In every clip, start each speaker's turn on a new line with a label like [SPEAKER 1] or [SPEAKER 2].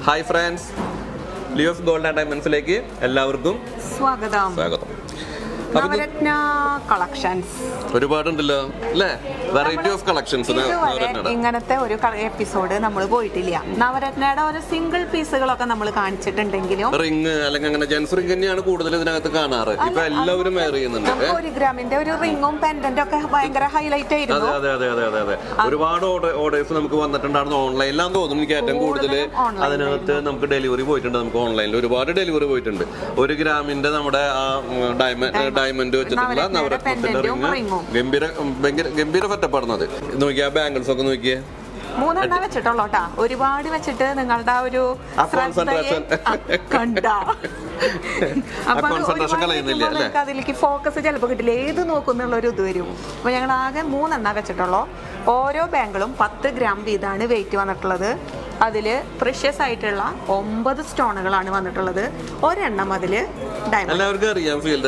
[SPEAKER 1] Hi friends, Leo's gold and ഡയമണ്ട്സിലേക്ക് എല്ലാവർക്കും
[SPEAKER 2] സ്വാഗതം. നവരത്ന കളക്ഷൻസ്
[SPEAKER 1] ഒരുപാടുണ്ടല്ലോ അല്ലേ? Variety of collections.
[SPEAKER 2] ഇങ്ങനത്തെ ഒരു എപ്പിസോഡ് നമ്മൾ പോയിട്ടില്ല. നവരത്നയുടെ ഒരു സിംഗിൾ പീസുകളൊക്കെ നമ്മൾ കാണിച്ചിട്ടുണ്ടെങ്കിലും
[SPEAKER 1] റിംഗ് അല്ലെങ്കിൽ അങ്ങനെ ജെൻസ് റിംഗ് തന്നെയാണ് കൂടുതൽ ഇതിനകത്ത് കാണാറ്. ഇപ്പൊ എല്ലാവരും വെയർ ചെയ്യുന്നുണ്ട്.
[SPEAKER 2] 1 ഗ്രാമിന്റെ ഒരു റിംഗും പെൻഡന്റും ഒക്കെ ഭയങ്കര ഹൈലൈറ്റ് ആയിരുന്നു.
[SPEAKER 1] അതെ. ഒരുപാട് ഓർഡേഴ്സ് നമുക്ക് വന്നിട്ടുണ്ടായിരുന്നു. ഓൺലൈനിലാന്ന് തോന്നുന്നു എനിക്ക് ഏറ്റവും കൂടുതൽ. അതിനകത്ത് നമുക്ക് ഡെലിവറി പോയിട്ടുണ്ട്. നമുക്ക് ഓൺലൈനിൽ ഒരുപാട് ഡെലിവറി പോയിട്ടുണ്ട്. 1 ഗ്രാമിന്റെ നമ്മുടെ ഡയമണ്ട് വെച്ചിട്ടുള്ള നവരത്നത്തിന്റെ റിംഗ് ഗംഭീര ഫെറ്റപ്പാടുന്നത്. നോക്കിയാ ബാംഗിൾസ് ഒക്കെ നോക്കിയേ,
[SPEAKER 2] 3 വെച്ചിട്ടുള്ളൂ കേട്ടാ. ഒരുപാട് വെച്ചിട്ട് നിങ്ങളുടെ ആ ഒരു അതിലേക്ക് ഫോക്കസ് ചിലപ്പോൾ കിട്ടില്ല, ഏത് നോക്കുന്നുള്ളൊരു ഇത് വരും. അപ്പൊ ഞങ്ങൾ ആകെ 3 വെച്ചിട്ടുള്ളൂ. ഓരോ ബാങ്കിളും 10 ഗ്രാം വീതമാണ് വെയിറ്റ് വന്നിട്ടുള്ളത്. അതില് പ്രഷ്യസ് ആയിട്ടുള്ള 9 സ്റ്റോണുകളാണ് വന്നിട്ടുള്ളത്. ഒരെണ്ണം അതില്
[SPEAKER 1] എല്ലാവർക്കും അറിയാം ഫീൽഡ്.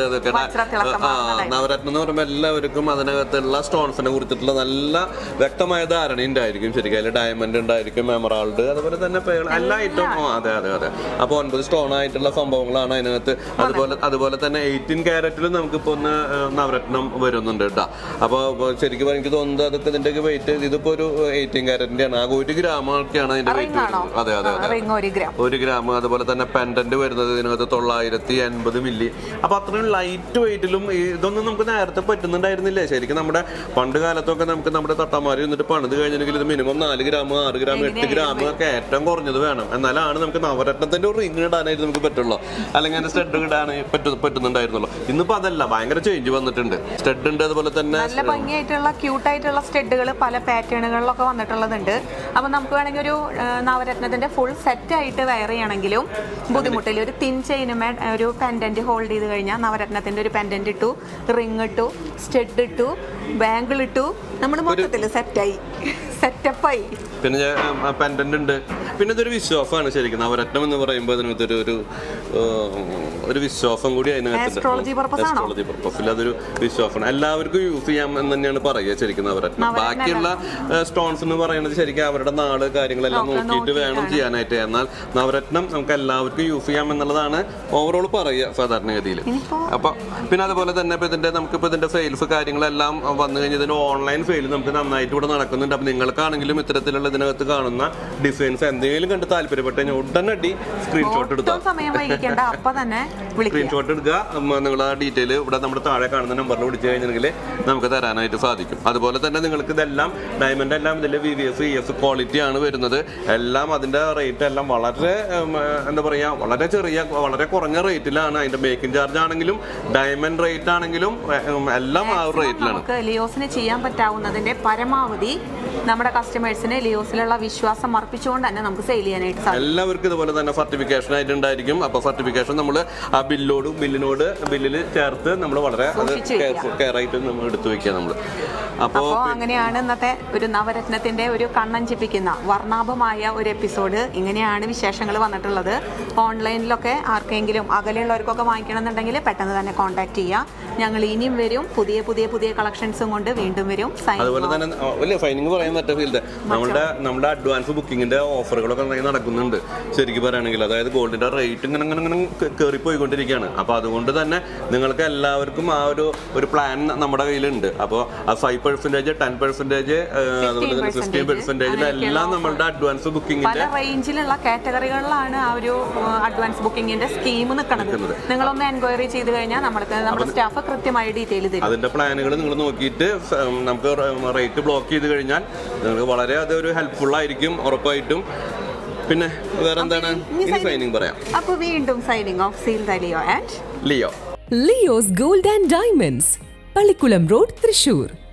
[SPEAKER 1] നവരത്നം എന്ന് പറയുമ്പോൾ എല്ലാവർക്കും അതിനകത്തുള്ള സ്റ്റോൺസിനെ കുറിച്ചിട്ടുള്ള നല്ല വ്യക്തമായ ധാരണ ഉണ്ടായിരിക്കും. ശരിക്കും അതിൽ ഡയമണ്ട് ഉണ്ടായിരിക്കും, എമറാൾഡ്, അതുപോലെ തന്നെ എല്ലാ ഐറ്റവും. അതെ. അപ്പോൾ 9 സ്റ്റോൺ ആയിട്ടുള്ള സംഭവങ്ങളാണ് അതിനകത്ത്. അതുപോലെ തന്നെ 18 ക്യാരറ്റിലും നമുക്കിപ്പോ ഒന്ന് നവരത്നം വരുന്നുണ്ട് കേട്ടോ. അപ്പോൾ ശരിക്കും എനിക്ക് തോന്നുന്നത് അതൊക്കെ ഇതിന്റെ വെയിറ്റ് ഇതിപ്പോ ഒരു 18 ക്യാരറ്റിന്റെ ആണ്. 1 ഗ്രാം ഒക്കെയാണ് അതിന്റെ വെയിറ്റ്. അതെ 1 ഗ്രാം. അതുപോലെ തന്നെ പെൻഡന്റ് വരുന്നത് ഇതിനകത്ത് 980 മില്ലി. അപ്പൊ അത്രയും ലൈറ്റ് വെയിറ്റിലും ഇതൊന്നും നമുക്ക് നേരത്തെ പറ്റുന്നുണ്ടായിരുന്നില്ലേ. ശരിക്കും നമ്മുടെ പണ്ട് കാലത്തൊക്കെ നമുക്ക് നമ്മുടെ തട്ടമാരി എന്നിട്ട് പണിത് കഴിഞ്ഞെങ്കിൽ ഇത് മിനിമം 4 ഗ്രാം 6 ഗ്രാം 8 ഗ്രാം ഒക്കെ ഏറ്റവും കുറഞ്ഞത് വേണം. എന്നാലാണ് നമുക്ക് നവരത്നത്തിന്റെ ഒരു റിംഗ് ഇടാനായിട്ട് നമുക്ക് പറ്റുള്ളൂ, അല്ലെങ്കിൽ അതിന്റെ സ്റ്റഡ് ഇടാൻ പറ്റുന്നുണ്ടായിരുന്നുള്ളൂ. ഇന്നിപ്പോ അതല്ല, ഭയങ്കര ചേഞ്ച് വന്നിട്ടുണ്ട്. സ്റ്റഡ് ഉണ്ട്, അതുപോലെ തന്നെ
[SPEAKER 2] നല്ല ഭംഗിയായിട്ടുള്ള ക്യൂട്ടായിട്ടുള്ള സ്റ്റഡുകൾ പല പാറ്റേണുകളിലൊക്കെ വന്നിട്ടുള്ളതുണ്ട്. അപ്പൊ നമുക്ക് വേണമെങ്കിൽ ഒരു നവരത്നത്തിന്റെ ഫുൾ സെറ്റ് ആയിട്ട് വെയർ ചെയ്യണമെങ്കിലും ബുദ്ധിമുട്ടില്ല. ഒരു തിൻ ചെയിനുമേ ഒരു പെൻഡന്റ് ഹോൾഡ് ചെയ്ത് കഴിഞ്ഞാൽ നവരത്നത്തിന്റെ ഒരു പെൻഡന്റ് ഇട്ടു, റിംഗ് ഇട്ടു, സ്റ്റഡ് ഇട്ടു, ബാങ്കിൾ ഇട്ടു, നമ്മൾ മൊത്തത്തിൽ സെറ്റപ്പായി.
[SPEAKER 1] പിന്നെ പെൻഡന്റ് ഉണ്ട്. പിന്നെ ഇതൊരു വിശ്വാസമാണ് ശരിക്കും. നവരത്നം എന്ന് പറയുമ്പോൾ അതിനകത്തൊരു ഒരു വിശ്വാസം കൂടി അതിനകത്ത്.
[SPEAKER 2] ആസ്ട്രോളജി
[SPEAKER 1] പർപ്പസിൽ അതൊരു വിശ്വാസമാണ്. എല്ലാവർക്കും യൂസ് ചെയ്യാം എന്ന് തന്നെയാണ് പറയുക ശരിക്കും നവരത്നം. ബാക്കിയുള്ള സ്റ്റോൺസ് എന്ന് പറയുന്നത് ശരിക്കും അവരുടെ നാട് കാര്യങ്ങളെല്ലാം നോക്കിയിട്ട് വേണം ചെയ്യാനായിട്ട്. എന്നാൽ നവരത്നം നമുക്ക് എല്ലാവർക്കും യൂസ് ചെയ്യാം എന്നുള്ളതാണ് ഓവറോൾ പറയുക സാധാരണഗതിയിൽ. അപ്പൊ പിന്നെ അതുപോലെ തന്നെ നമുക്കിപ്പോ ഇതിന്റെ സെയിൽസ് കാര്യങ്ങളെല്ലാം വന്നു കഴിഞ്ഞാൽ ഇതിന്റെ ഓൺലൈൻ സെയിൽ നമുക്ക് നന്നായിട്ട് ഇവിടെ നടക്കുന്നുണ്ട്. അപ്പൊ നിങ്ങൾക്കാണെങ്കിലും ഇത്തരത്തിലുള്ള ഇതിനകത്ത് കാണുന്ന ഡിസൈൻസ് എന്തെങ്കിലും കണ്ട് താല്പര്യപ്പെട്ട് കഴിഞ്ഞാൽ ഉടനടി സ്ക്രീൻഷോട്ട് എടുക്കുക. സ്ക്രീൻഷോട്ട് എടുക്കുക. നിങ്ങൾ ആ ഡീറ്റെയിൽ ഇവിടെ നമ്മുടെ താഴെ കാണുന്ന നമ്പറിൽ വിളിച്ചു കഴിഞ്ഞിട്ടുണ്ടെങ്കിൽ നമുക്ക് തരാനായിട്ട് സാധിക്കും. അതുപോലെ തന്നെ നിങ്ങൾക്ക് ഇതെല്ലാം ഡയമണ്ട് എല്ലാം ഇതിന്റെ VVS ES ക്വാളിറ്റി ആണ് വരുന്നത്. എല്ലാം അതിന്റെ റേറ്റ് എല്ലാം വളരെ എന്താ പറയാ, വളരെ വളരെ കുറഞ്ഞ റേറ്റിലാണ്. അതിന്റെ മേക്കിംഗ് ചാർജ് ആണെങ്കിലും ഡയമണ്ട് റേറ്റ് ആണെങ്കിലും എല്ലാം ആ റേറ്റിലാണ്.
[SPEAKER 2] ലിയോസിന് ചെയ്യാൻ പറ്റാവുന്നതിന്റെ പരമാവധി നമ്മുടെ കസ്റ്റമേഴ്സിന് ലിയോസിലുള്ള വിശ്വാസം അർപ്പിച്ചുകൊണ്ട് തന്നെ നമുക്ക് സെയിൽ ചെയ്യാനായിട്ട് സാധിക്കും.
[SPEAKER 1] എല്ലാവർക്കും ഇതുപോലെ തന്നെ സർട്ടിഫിക്കേഷൻ ആയിട്ടുണ്ടായിരിക്കും. അപ്പൊ സർട്ടിഫിക്കേഷൻ നമ്മൾ ആ ബില്ലിൽ ചേർത്ത് നമ്മൾ വളരെ കെയർ ആയിട്ട് നമ്മൾ എടുത്തു വെക്കുക നമ്മൾ. അപ്പോൾ
[SPEAKER 2] അങ്ങനെയാണ് ഇന്നത്തെ ഒരു നവരത്നത്തിന്റെ ഒരു കണ്ണഞ്ചിപ്പിക്കുന്ന വർണ്ണാഭമായ ഒരു എപ്പിസോഡ്. ഇങ്ങനെയാണ് വിശേഷങ്ങൾ വന്നിട്ടുള്ളത്. ഓൺലൈനിലൊക്കെ ആർക്കെങ്കിലും അകലെയുള്ളവർക്കൊക്കെ വാങ്ങിക്കണമെന്നുണ്ടെങ്കിൽ പെട്ടെന്ന് തന്നെ കോൺടാക്ട് ചെയ്യുക. ഞങ്ങൾ ഇനിയും വരും, പുതിയ കളക്ഷൻസും കൊണ്ട് വീണ്ടും വരും.
[SPEAKER 1] അതുപോലെ തന്നെ വലിയ സൈനിങ് പറയാൻ പറ്റുന്ന ഫീൽഡ് നമ്മുടെ അഡ്വാൻസ് ബുക്കിങ്ങിന്റെ ഓഫറുകളൊക്കെ നടക്കുന്നുണ്ട് ശരിക്കും പറയുകയാണെങ്കിൽ. അതായത് ഗോൾഡിന്റെ റേറ്റ് ഇങ്ങനെ കയറി പോയിക്കൊണ്ടിരിക്കുകയാണ്. അപ്പൊ അതുകൊണ്ട് തന്നെ നിങ്ങൾക്ക് എല്ലാവർക്കും ആ ഒരു പ്ലാൻ നമ്മുടെ കയ്യിലുണ്ട്. അപ്പോൾ ആ 5%, 10%, അതുപോലെ തന്നെ 15% എല്ലാം നമ്മളുടെ അഡ്വാൻസ് ബുക്കിങ്ങിന്റെ
[SPEAKER 2] റേഞ്ചിലുള്ള കാറ്റഗറികളിലാണ് ആ ഒരു അഡ്വാൻസ് ബുക്കിങ്ങിന്റെ സ്കീം നിൽക്കുന്നത്. നിങ്ങളൊന്ന് എൻക്വയറി ചെയ്ത് കഴിഞ്ഞാൽ നമ്മുടെ സ്റ്റാഫ് കൃത്യമായി ഡീറ്റെയിൽ തരും.
[SPEAKER 1] അതിന്റെ പ്ലാനുകൾ നിങ്ങൾ നോക്കിയിട്ട് നമുക്ക് റേറ്റ് ബ്ലോക്ക് ചെയ്ത് കഴിഞ്ഞാൽ നിങ്ങൾക്ക് വളരെ അതൊരു ഹെൽപ്ഫുൾ ആയിരിക്കും ഉറപ്പായിട്ടും. പിന്നെ വേറെ എന്താണ് ഇനി സൈനിങ് പറയാം.
[SPEAKER 2] അപ്പോൾ വീണ്ടും സൈനിങ് ഓഫ് സീൽദ Leo.
[SPEAKER 3] Leo's gold and diamonds, Pallikkulam road, Thrissur.